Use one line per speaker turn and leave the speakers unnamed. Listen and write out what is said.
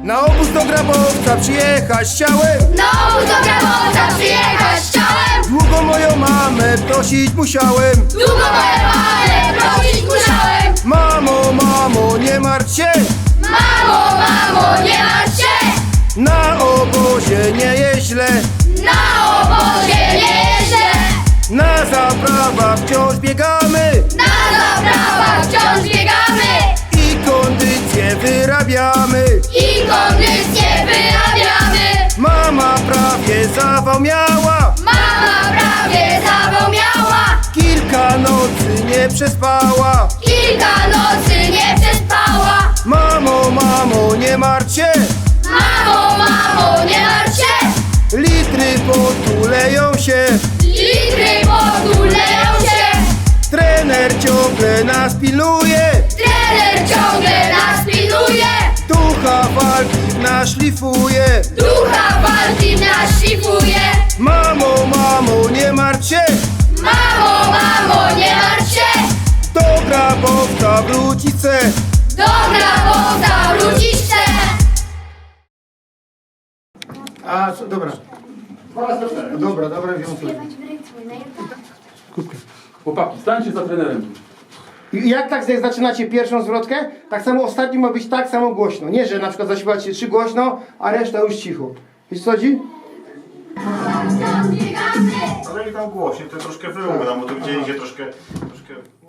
Na obóz do Grabowca przyjechać chciałem.
Na obóz do Grabowca przyjechać chciałem.
Długo moją mamę prosić musiałem.
Długo moją mamę prosić musiałem.
Mamo, mamo, nie martw się.
Mamo, mamo, nie martw się.
Na obozie nie jest źle.
Na obozie nie jest źle.
Na zaprawach wciąż biegamy.
Na zaprawach wciąż biegamy.
I kondycję wyrabiamy.
I kondycję wyrabiamy.
Mama prawie zawał miała.
Mama prawie zawał miała.
Kilka nocy nie przespała.
Kilka nocy nie przespała.
Mamo, mamo, nie martw się.
Mamo, mamo, nie martw się.
Litry potu leją się.
Litry potu leją się.
Trener ciągle nas pilnuje.
Trener ciągle nas pilnuje.
Ducha walki nas szlifuje.
Ducha walki nas szlifuje.
Mamo, mamo, nie martw się.
Mamo, mamo, nie martw się.
Do Grabowca wrócić chcę.
Do Grabowca wrócić chcę.
A, co, dobra. Dobra, wiązuję.
Chłopaki, stańcie za trenerem.
I jak tak jak zaczynacie pierwszą zwrotkę, tak samo ostatni ma być tak samo głośno. Nie, że na przykład zaśpiewacie 3 głośno, a reszta już cicho. Wiesz co chodzi?
Ale i tam głośniej, to troszkę wyrównam, bo to gdzie idzie troszkę